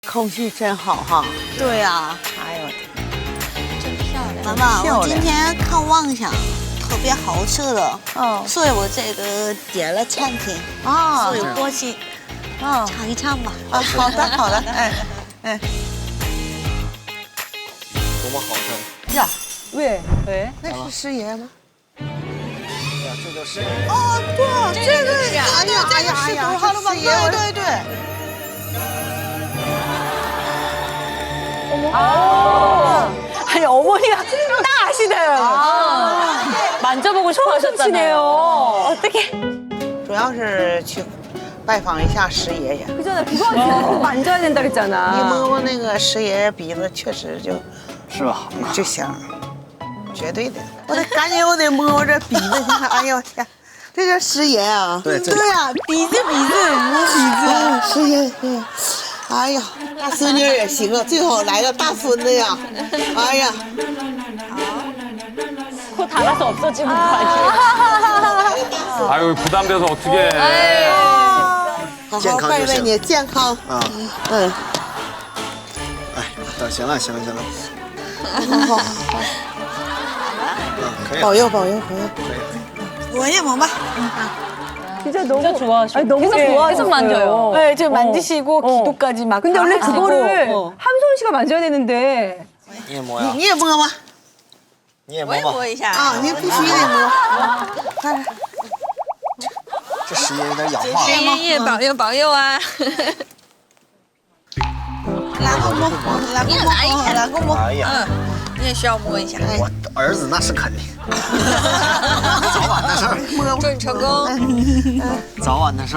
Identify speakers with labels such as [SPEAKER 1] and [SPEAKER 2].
[SPEAKER 1] 空气真好哈！
[SPEAKER 2] 对呀，
[SPEAKER 1] 哎呦，
[SPEAKER 2] 真漂亮。
[SPEAKER 3] 妈妈，
[SPEAKER 1] 漂亮
[SPEAKER 3] 我今天看妄想特别好吃的，
[SPEAKER 1] 哦
[SPEAKER 3] 所以我这个点了餐厅，
[SPEAKER 1] 啊
[SPEAKER 3] 所以我过去
[SPEAKER 1] 啊
[SPEAKER 3] 尝一尝吧。
[SPEAKER 1] 啊！好的好的，哎哎
[SPEAKER 4] 多么好看！
[SPEAKER 1] 呀，
[SPEAKER 5] 喂，
[SPEAKER 1] 那是师爷吗？
[SPEAKER 4] 呀，这就是
[SPEAKER 1] 哦，对，这个
[SPEAKER 2] 是啊
[SPEAKER 1] 哎呀哎呀哎呀，
[SPEAKER 3] 好了吧
[SPEAKER 1] 师爷，对对对。
[SPEAKER 5] 아니 어머니가 딱 아시네요.
[SPEAKER 2] 만져보고 싶어 하셨잖아요.
[SPEAKER 5] 어떻게?
[SPEAKER 1] 主要是去拜访一下师爷爷。
[SPEAKER 5] 그잖아. 그거 만져야 된다
[SPEAKER 1] 你
[SPEAKER 5] 그랬잖아.
[SPEAKER 1] 摸摸那个师爷爷鼻子，确实就是
[SPEAKER 4] 吧？
[SPEAKER 1] 就香，绝对的。我得赶紧，我得摸摸这鼻子去看。哎呦我天，这叫师爷啊！
[SPEAKER 4] 对这
[SPEAKER 1] 对呀，鼻子摸鼻子，师爷。哎呀，大孙女也行啊，最好来个大孙子呀！哎呀，
[SPEAKER 2] 코 닿아서 없어지는 거 아니에요?
[SPEAKER 6] 아유 부담돼서 어떻게?
[SPEAKER 1] 好好拜拜你，健康。
[SPEAKER 4] 啊，
[SPEAKER 1] 嗯，
[SPEAKER 4] 哎，行了，
[SPEAKER 1] 好，
[SPEAKER 4] 可以了，
[SPEAKER 1] 保佑保佑保佑。
[SPEAKER 3] 我也摸吧。
[SPEAKER 5] 진짜 너무
[SPEAKER 2] 진짜 좋아하시고
[SPEAKER 5] 아니, 너무
[SPEAKER 2] 계속
[SPEAKER 5] 좋아하셨어요.
[SPEAKER 2] 계속 만져요.
[SPEAKER 5] 네,
[SPEAKER 2] 저 만지시고 기도까지 막.
[SPEAKER 5] 근데 원래
[SPEAKER 2] 다 하시고.
[SPEAKER 5] 그거를 함소은 씨가 만져야 되는데
[SPEAKER 4] 你也摸呀，
[SPEAKER 1] 你也摸吗？
[SPEAKER 4] 你也摸吧。
[SPEAKER 3] 一下
[SPEAKER 1] 啊，你必须得摸。看，
[SPEAKER 4] 这时间有点氧化了。
[SPEAKER 2] 爷爷保佑保佑啊！
[SPEAKER 3] 来个摸，来个摸，来个摸。
[SPEAKER 4] 哎呀，
[SPEAKER 2] 你也需要摸一下，
[SPEAKER 4] 我儿子那是肯定，早晚的事儿，
[SPEAKER 2] 祝你成功。
[SPEAKER 4] 早晚的事儿。